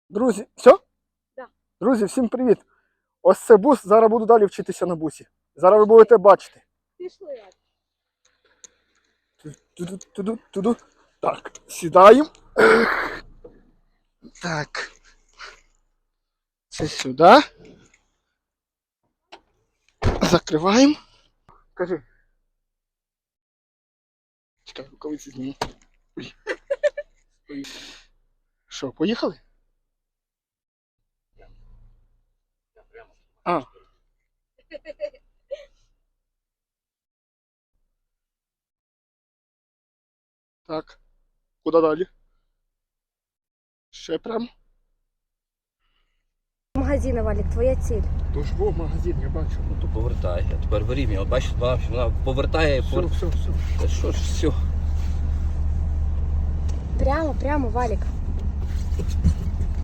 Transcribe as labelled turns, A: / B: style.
A: Друзі, все?
B: Да.
A: Друзі, всім привіт! Ось це бус, зараз буду далі вчитися на бусі. Зараз ви будете бачити.
B: Пішли.
A: Туду. Так, сідаємо. Так. Це сюди. Закриваємо. Кажи. Чекай, рукавиці зніму. Ой. Що, поїхали? А. Так. Куди далі? Ще прямо.
B: Магазини, Валік, твоя ціль.
A: Тож во магазин, я бачу.
C: Ну то повертай, а тепер вирівнюй. От бачиш, вона повертає.
A: Все.
C: Та що ж, все.
B: Прямо, Валік.